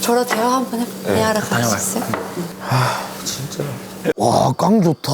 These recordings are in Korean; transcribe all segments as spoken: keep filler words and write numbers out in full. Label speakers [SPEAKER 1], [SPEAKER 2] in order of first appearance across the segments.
[SPEAKER 1] 저랑 대화 한번 해볼까요?
[SPEAKER 2] 네,
[SPEAKER 1] 대화를 가지셨어요?
[SPEAKER 2] 아 진짜.
[SPEAKER 3] 와, 깡 좋다.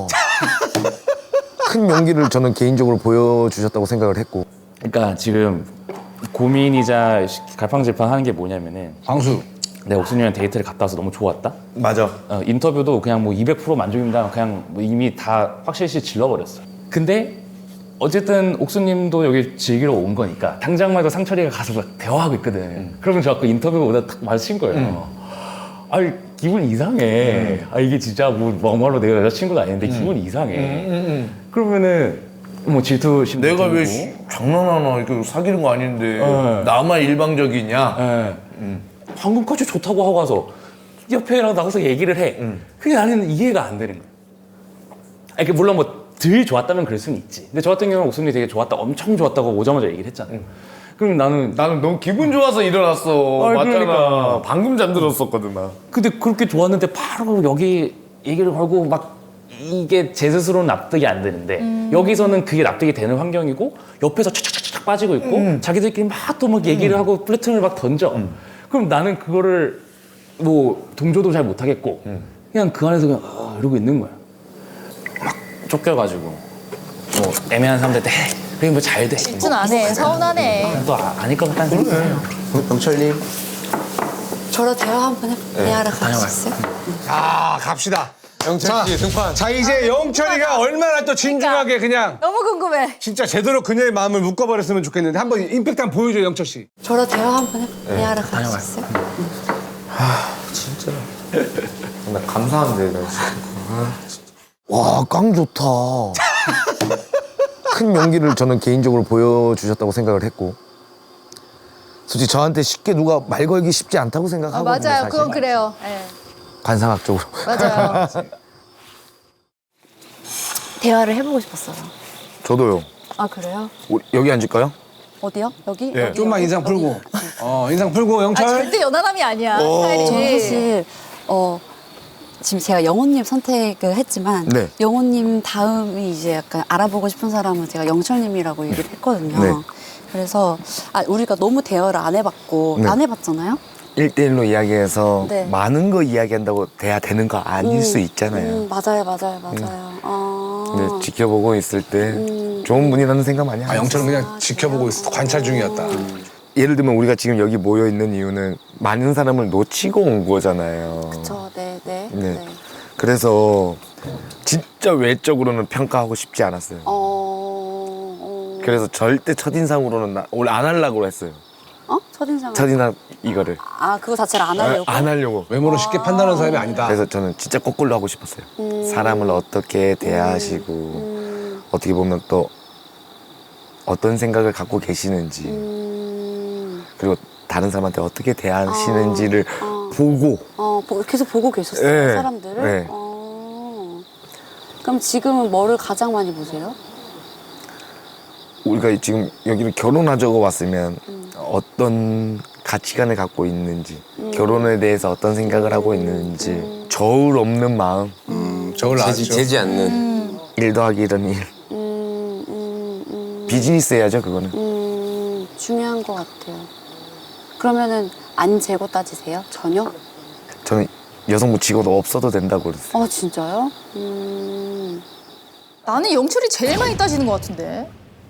[SPEAKER 3] 큰 용기를 저는 개인적으로 보여주셨다고 생각을 했고.
[SPEAKER 4] 그러니까 지금 고민이자 갈팡질팡하는 게 뭐냐면은
[SPEAKER 5] 광수.
[SPEAKER 4] 내가 옥수님이랑 데이트를 갔다 와서 너무 좋았다.
[SPEAKER 2] 맞아.
[SPEAKER 4] 어, 인터뷰도 그냥 뭐 이백 퍼센트 만족입니다. 그냥 뭐 이미 다 확실시 질러버렸어. 근데 어쨌든 옥수님도 여기 즐기러 온 거니까 당장만 해도 상철이가 가서 막 대화하고 있거든. 음. 그러면 저 아까 인터뷰 오다 딱 마주친 거예요. 음. 아니 기분 이상해. 음. 아 이게 진짜 뭐 막말로 내가 여자친구도 아닌데 음. 기분 이상해. 음, 음, 음. 그러면은 뭐 질투심.
[SPEAKER 2] 내가 왜 시, 장난하나 이거 사귀는 거 아닌데
[SPEAKER 4] 네.
[SPEAKER 2] 나만 일방적이냐?
[SPEAKER 4] 네.
[SPEAKER 2] 음.
[SPEAKER 4] 방금까지 좋다고 하고 가서 옆에랑 나가서 얘기를 해.
[SPEAKER 2] 음.
[SPEAKER 4] 그게 나는 이해가 안 되는 거야. 아니, 물론 뭐 덜 좋았다면 그럴 수는 있지. 근데 저 같은 경우는 옥순이 되게 좋았다, 엄청 좋았다고 오자마자 얘기를 했잖아. 음. 그럼 나는
[SPEAKER 2] 나는 너무 기분 좋아서 일어났어.
[SPEAKER 4] 아니,
[SPEAKER 2] 맞잖아.
[SPEAKER 4] 그러니까.
[SPEAKER 2] 방금 잠들었었거든 나.
[SPEAKER 4] 근데 그렇게 좋았는데 바로 여기 얘기를 걸고 막 이게 제 스스로는 납득이 안 되는데 음. 여기서는 그게 납득이 되는 환경이고 옆에서 착착착착 빠지고 있고 음. 자기들끼리 막 또 막 얘기를 음. 하고 플래툰을 막 던져. 음. 그럼 나는 그거를 뭐 동조도 잘 못하겠고 음. 그냥 그 안에서 그냥 어, 이러고 있는 거야. 막 쫓겨가지고 뭐 애매한 사람들한테 해. 그게 뭐 잘 돼.
[SPEAKER 6] 질투는 안 해. 서운하네.
[SPEAKER 4] 또 아, 아닐 것 같다는 생각이 들어요.
[SPEAKER 2] 영철님.
[SPEAKER 1] 저랑 대화 한번 해볼까요?
[SPEAKER 2] 네,
[SPEAKER 1] 대화를 가지셨어요?
[SPEAKER 5] 아, 갑시다.
[SPEAKER 2] 영철 씨 등판.
[SPEAKER 5] 자, 이제 영철이가 얼마나 또 진중하게 그냥
[SPEAKER 6] 너무 궁금해.
[SPEAKER 5] 진짜 제대로 그녀의 마음을 묶어버렸으면 좋겠는데 한번 임팩트 한번 보여줘, 영철 씨.
[SPEAKER 1] 저랑 대화 한번 해볼까요? 대화를 가지셨어요?
[SPEAKER 2] 아 진짜. 나 감사한데 나 진짜. 아, 진짜.
[SPEAKER 3] 와, 깡 좋다. 큰 용기를 저는 개인적으로 보여주셨다고 생각을 했고. 솔직히 저한테 쉽게 누가 말 걸기 쉽지 않다고
[SPEAKER 6] 아,
[SPEAKER 3] 생각하거든요.
[SPEAKER 6] 맞아요.
[SPEAKER 3] 사실.
[SPEAKER 6] 그건 그래요. 네.
[SPEAKER 3] 관상학적으로.
[SPEAKER 6] 맞아요.
[SPEAKER 1] 대화를 해보고 싶었어요.
[SPEAKER 3] 저도요.
[SPEAKER 1] 아 그래요?
[SPEAKER 3] 우리 여기 앉을까요?
[SPEAKER 1] 어디요? 여기?
[SPEAKER 5] 예,
[SPEAKER 1] 여기,
[SPEAKER 5] 좀만
[SPEAKER 1] 여기?
[SPEAKER 5] 인상 풀고.
[SPEAKER 1] 여기.
[SPEAKER 5] 어, 인상 풀고,
[SPEAKER 6] 아,
[SPEAKER 5] 영철.
[SPEAKER 6] 절대 연하남이 아니야. 스타일이.
[SPEAKER 1] 저는 사실 어 지금 제가 영호님 선택을 했지만
[SPEAKER 3] 네.
[SPEAKER 1] 영호님 다음이 이제 약간 알아보고 싶은 사람은 제가 영철님이라고 얘기를 했거든요.
[SPEAKER 3] 네.
[SPEAKER 1] 그래서 아, 우리가 너무 대화를 안 해봤고
[SPEAKER 3] 네.
[SPEAKER 1] 안 해봤잖아요.
[SPEAKER 3] 일대일로 이야기해서
[SPEAKER 1] 네.
[SPEAKER 3] 많은 거 이야기한다고 돼야 되는 거 아닐
[SPEAKER 1] 음,
[SPEAKER 3] 수 있잖아요.
[SPEAKER 1] 음, 맞아요, 맞아요, 맞아요. 아.
[SPEAKER 3] 근데 지켜보고 있을 때
[SPEAKER 1] 음.
[SPEAKER 3] 좋은 분이라는 생각 많이
[SPEAKER 5] 아,
[SPEAKER 3] 하죠.
[SPEAKER 5] 영철은 그냥
[SPEAKER 1] 아,
[SPEAKER 5] 지켜보고
[SPEAKER 1] 그래요?
[SPEAKER 5] 있어. 관찰 중이었다.
[SPEAKER 3] 예를 들면 우리가 지금 여기 모여 있는 이유는 많은 사람을 놓치고 온 거잖아요.
[SPEAKER 1] 저, 네, 네,
[SPEAKER 3] 네.
[SPEAKER 1] 네.
[SPEAKER 3] 그래서 진짜 외적으로는 평가하고 싶지 않았어요.
[SPEAKER 1] 어, 어.
[SPEAKER 3] 그래서 절대 첫인상으로는 나, 원래 안 하려고 했어요.
[SPEAKER 1] 어? 첫인상.
[SPEAKER 3] 첫인상 이거를
[SPEAKER 1] 아, 그거 자체를 안 하려고.
[SPEAKER 3] 안 하려고.
[SPEAKER 5] 외모로 쉽게 판단하는 사람이 아니다.
[SPEAKER 3] 그래서 저는 진짜 거꾸로 하고 싶었어요.
[SPEAKER 1] 음.
[SPEAKER 3] 사람을 어떻게 대하시고
[SPEAKER 1] 음,
[SPEAKER 3] 어떻게 보면 또 어떤 생각을 갖고 계시는지
[SPEAKER 1] 음,
[SPEAKER 3] 그리고 다른 사람한테 어떻게 대하시는지를
[SPEAKER 1] 어.
[SPEAKER 3] 보고
[SPEAKER 1] 어, 보- 계속 보고 계셨어요,
[SPEAKER 3] 네,
[SPEAKER 1] 사람들을?
[SPEAKER 3] 네.
[SPEAKER 1] 어. 그럼 지금은 뭐를 가장 많이 보세요?
[SPEAKER 3] 우리가 지금 여기를 결혼하자고 왔으면
[SPEAKER 1] 음.
[SPEAKER 3] 어떤 가치관을 갖고 있는지
[SPEAKER 1] 음.
[SPEAKER 3] 결혼에 대해서 어떤 생각을 하고 있는지
[SPEAKER 1] 음.
[SPEAKER 3] 저울 없는 마음
[SPEAKER 5] 음, 저걸 나왔죠.
[SPEAKER 2] 재지, 재지 않는.
[SPEAKER 6] 음.
[SPEAKER 3] 일 더하기 일은 일
[SPEAKER 1] 음, 음, 음,
[SPEAKER 3] 비즈니스 해야죠 그거는.
[SPEAKER 1] 음, 중요한 것 같아요. 그러면은 안 재고 따지세요? 전혀?
[SPEAKER 3] 저는 여성부 직업도 없어도 된다고 그랬어요.
[SPEAKER 1] 어, 진짜요? 음,
[SPEAKER 6] 나는 영철이 제일 많이 따지는 것 같은데.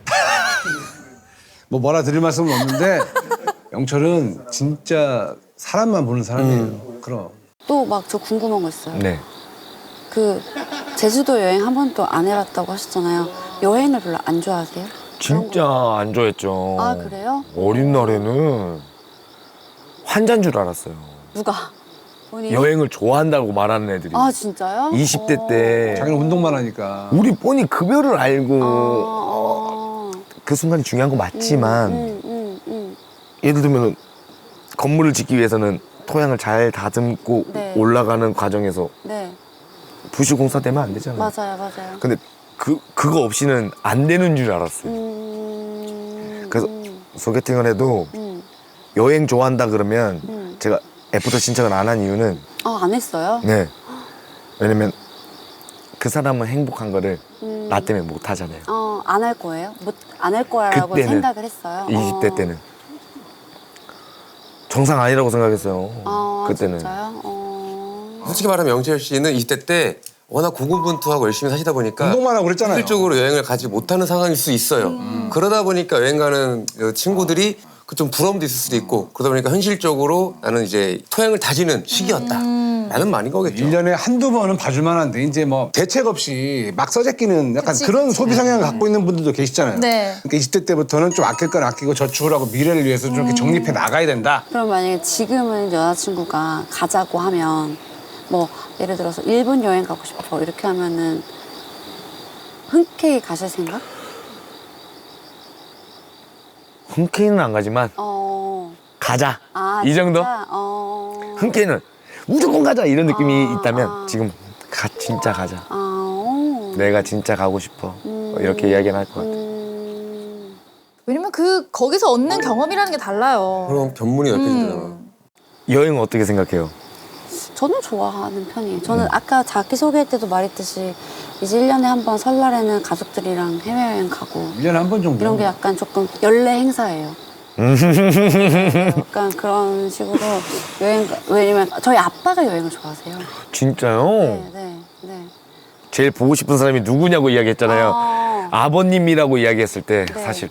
[SPEAKER 5] 뭐 뭐라 드릴 말씀은 없는데 영철은 진짜 사람만 보는 사람이에요. 그럼.
[SPEAKER 1] 또 막 저 궁금한 거 있어요.
[SPEAKER 3] 네.
[SPEAKER 1] 그 제주도 여행 한 번도 안 해봤다고 하셨잖아요. 여행을 별로 안 좋아하세요?
[SPEAKER 3] 진짜 안 좋아했죠.
[SPEAKER 1] 아, 그래요?
[SPEAKER 3] 어린 날에는 환자인 줄 알았어요.
[SPEAKER 1] 누가? 본인이?
[SPEAKER 3] 여행을 좋아한다고 말하는 애들이.
[SPEAKER 1] 아, 진짜요?
[SPEAKER 3] 이십 대 때
[SPEAKER 5] 자기는 운동만 하니까.
[SPEAKER 3] 우리 뻔히 급여를 알고
[SPEAKER 1] 어, 어.
[SPEAKER 3] 그 순간이 중요한 거 맞지만
[SPEAKER 1] 음, 음, 음,
[SPEAKER 3] 예를 들면 건물을 짓기 위해서는 토양을 잘 다듬고
[SPEAKER 1] 네.
[SPEAKER 3] 올라가는 과정에서
[SPEAKER 1] 음. 네,
[SPEAKER 3] 부실공사 되면 안 되잖아요.
[SPEAKER 1] 맞아요, 맞아요.
[SPEAKER 3] 근데 그, 그거 없이는 안 되는 줄 알았어요.
[SPEAKER 1] 음,
[SPEAKER 3] 그래서
[SPEAKER 1] 음,
[SPEAKER 3] 소개팅을 해도
[SPEAKER 1] 음,
[SPEAKER 3] 여행 좋아한다 그러면
[SPEAKER 1] 음.
[SPEAKER 3] 제가 애프터 신청을 안 한 이유는
[SPEAKER 1] 아, 안 했어요?
[SPEAKER 3] 네. 왜냐면 그 사람은 행복한 거를
[SPEAKER 1] 음.
[SPEAKER 3] 나 때문에 못 하잖아요.
[SPEAKER 1] 어, 안 할 거예요? 못, 안 할 거라고
[SPEAKER 3] 그때는,
[SPEAKER 1] 생각을 했어요?
[SPEAKER 3] 이십 대
[SPEAKER 1] 어.
[SPEAKER 3] 때는. 정상 아니라고 생각했어요.
[SPEAKER 1] 아,
[SPEAKER 3] 그때는.
[SPEAKER 1] 진짜요? 어...
[SPEAKER 7] 솔직히 말하면 영철 씨는 이십 대 때 워낙 고군분투하고 열심히 사시다 보니까
[SPEAKER 5] 운동만 하고 그랬잖아요.
[SPEAKER 7] 실질적으로 여행을 가지 못하는 상황일 수 있어요.
[SPEAKER 6] 음.
[SPEAKER 7] 그러다 보니까 여행 가는 그 친구들이 그 좀 부러움도 있을 수도 있고 그러다 보니까 현실적으로 나는 이제 토양을 다지는 시기였다.
[SPEAKER 6] 음.
[SPEAKER 7] 라는 말인 거겠죠.
[SPEAKER 5] 일 년에 한두 번은 봐줄 만한데 이제 뭐 대책 없이 막 써재끼는 약간
[SPEAKER 6] 그치,
[SPEAKER 5] 그런
[SPEAKER 6] 그치.
[SPEAKER 5] 소비 성향을 갖고 있는 분들도 계시잖아요.
[SPEAKER 6] 네.
[SPEAKER 5] 그러니까 이십 대 때부터는 좀 아낄 건 아끼고 저축을 하고 미래를 위해서 좀 이렇게 정립해 나가야 된다.
[SPEAKER 1] 그럼 만약에 지금은 여자친구가 가자고 하면 뭐 예를 들어서 일본 여행 가고 싶어 이렇게 하면은 흔쾌히 가실 생각?
[SPEAKER 3] 흔쾌히는 안 가지만
[SPEAKER 1] 어...
[SPEAKER 3] 가자.
[SPEAKER 1] 아,
[SPEAKER 3] 이 정도?
[SPEAKER 1] 진짜? 어...
[SPEAKER 3] 흔쾌히는 무조건 가자 이런 느낌이
[SPEAKER 1] 아,
[SPEAKER 3] 있다면
[SPEAKER 1] 아.
[SPEAKER 3] 지금 가, 진짜 가자.
[SPEAKER 1] 아... 어...
[SPEAKER 3] 내가 진짜 가고 싶어. 뭐 이렇게 이야기는 할 것 같아.
[SPEAKER 1] 음...
[SPEAKER 6] 왜냐면 그 거기서 얻는 경험이라는 게 달라요.
[SPEAKER 7] 그럼 견문이 넓혀지잖아.
[SPEAKER 6] 음.
[SPEAKER 3] 여행은 어떻게 생각해요?
[SPEAKER 1] 저는 좋아하는 편이에요. 저는 아까 자기소개할 때도 말했듯이 이제 일 년에 한 번 설날에는 가족들이랑 해외여행 가고
[SPEAKER 5] 일 년에 한 번 정도.
[SPEAKER 1] 이런 게 약간 조금 연례 행사예요. 약간 그런 식으로 여행, 왜냐면 저희 아빠가 여행을 좋아하세요.
[SPEAKER 3] 진짜요?
[SPEAKER 1] 네, 네, 네.
[SPEAKER 3] 제일 보고 싶은 사람이 누구냐고 이야기했잖아요.
[SPEAKER 1] 아.
[SPEAKER 3] 아버님이라고 이야기했을 때
[SPEAKER 1] 네.
[SPEAKER 3] 사실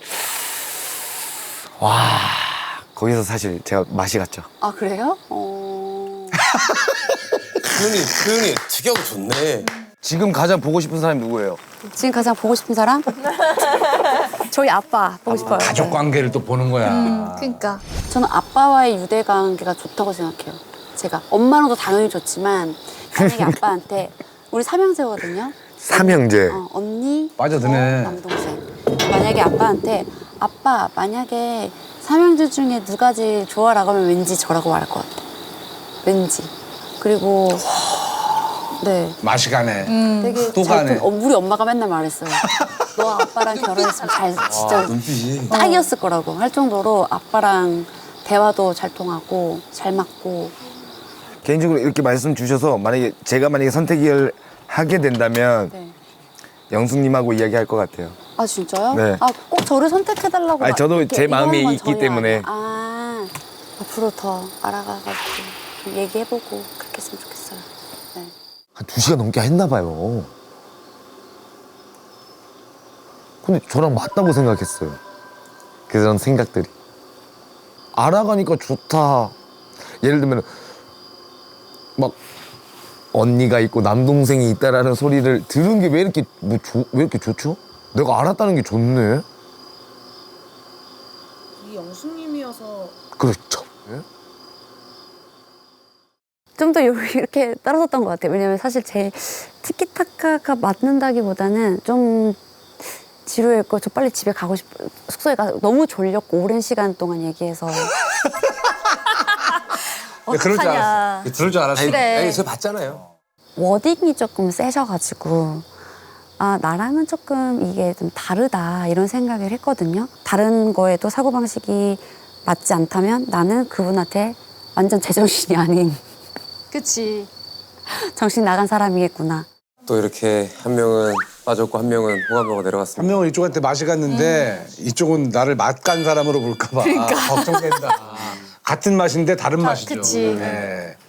[SPEAKER 3] 와 거기서 사실 제가 맛이 갔죠.
[SPEAKER 1] 아, 그래요? 어...
[SPEAKER 7] 표현이, 표현이 특이하고 좋네.
[SPEAKER 3] 지금 가장 보고 싶은 사람이 누구예요?
[SPEAKER 1] 지금 가장 보고 싶은 사람? 저희 아빠 보고 싶어요.
[SPEAKER 5] 가족 관계를 또 보는 거야.
[SPEAKER 6] 음, 그러니까.
[SPEAKER 1] 저는 아빠와의 유대 관계가 좋다고 생각해요. 제가 엄마랑도 당연히 좋지만 만약에 아빠한테 우리 삼형제거든요.
[SPEAKER 3] 삼형제.
[SPEAKER 1] 어, 언니,
[SPEAKER 5] 빠져드네.
[SPEAKER 1] 저, 남동생. 만약에 아빠한테 아빠 만약에 삼형제 중에 누가 제일 좋아라고 하면 왠지 저라고 말할 것 같아. 왠지. 그리고 네.
[SPEAKER 5] 맛이 가네.
[SPEAKER 1] 되게
[SPEAKER 5] 또
[SPEAKER 1] 잘
[SPEAKER 5] 가네.
[SPEAKER 1] 통- 어, 우리 엄마가 맨날 말했어요. 너 아빠랑 결혼했으면 잘 진짜
[SPEAKER 7] 눈빛이.
[SPEAKER 1] 딱이었을 거라고 할 정도로 아빠랑 대화도 잘 통하고 잘 맞고.
[SPEAKER 3] 개인적으로 이렇게 말씀 주셔서 만약에 제가 만약에 선택을 하게 된다면
[SPEAKER 1] 네.
[SPEAKER 3] 영숙님하고 이야기할 것 같아요.
[SPEAKER 1] 아, 진짜요?
[SPEAKER 3] 네.
[SPEAKER 1] 아, 꼭 저를 선택해달라고.
[SPEAKER 3] 아니,
[SPEAKER 1] 막
[SPEAKER 3] 저도
[SPEAKER 1] 이렇게
[SPEAKER 3] 제
[SPEAKER 1] 이거는
[SPEAKER 3] 마음이
[SPEAKER 1] 건
[SPEAKER 3] 있기
[SPEAKER 1] 전혀
[SPEAKER 3] 때문에.
[SPEAKER 1] 아니에요. 아, 앞으로 더 알아가가지고 좀 얘기해보고 그렇게 했으면 좋겠어요. 네.
[SPEAKER 3] 한 두 시간 넘게 했나 봐요. 근데 저랑 맞다고 생각했어요. 그런 생각들이. 알아가니까 좋다. 예를 들면 막 언니가 있고 남동생이 있다라는 소리를 들은 게 왜 이렇게 뭐 왜 이렇게 좋죠? 내가 알았다는 게 좋네.
[SPEAKER 8] 이 영숙님이어서
[SPEAKER 3] 그렇죠.
[SPEAKER 1] 좀 더 이렇게 떨어졌던 것 같아요. 왜냐면 사실 제 티키타카가 맞는다기보다는 좀 지루했고 저 빨리 집에 가고 싶 숙소에 가서 너무 졸렸고 오랜 시간 동안 얘기해서
[SPEAKER 5] 네, 그럴 줄
[SPEAKER 6] 어떡하냐.
[SPEAKER 5] 알았어. 그럴 줄 알았어.
[SPEAKER 6] 그래.
[SPEAKER 7] 아니, 저 봤잖아요.
[SPEAKER 1] 워딩이 조금 세셔가지고 아 나랑은 조금 이게 좀 다르다 이런 생각을 했거든요. 다른 거에도 사고방식이 맞지 않다면 나는 그분한테 완전 제정신이 아닌
[SPEAKER 6] 그치.
[SPEAKER 1] 정신 나간 사람이겠구나.
[SPEAKER 7] 또 이렇게 한 명은 빠졌고 한 명은 호감도가
[SPEAKER 5] 한
[SPEAKER 7] 내려갔습니다.
[SPEAKER 5] 명은 이쪽한테 맛이 갔는데 이쪽은 나를 맛간 사람으로 볼까 봐 걱정된다. 같은 맛인데 다른
[SPEAKER 6] 다-
[SPEAKER 5] 맛이죠.
[SPEAKER 6] 그치.
[SPEAKER 5] 네.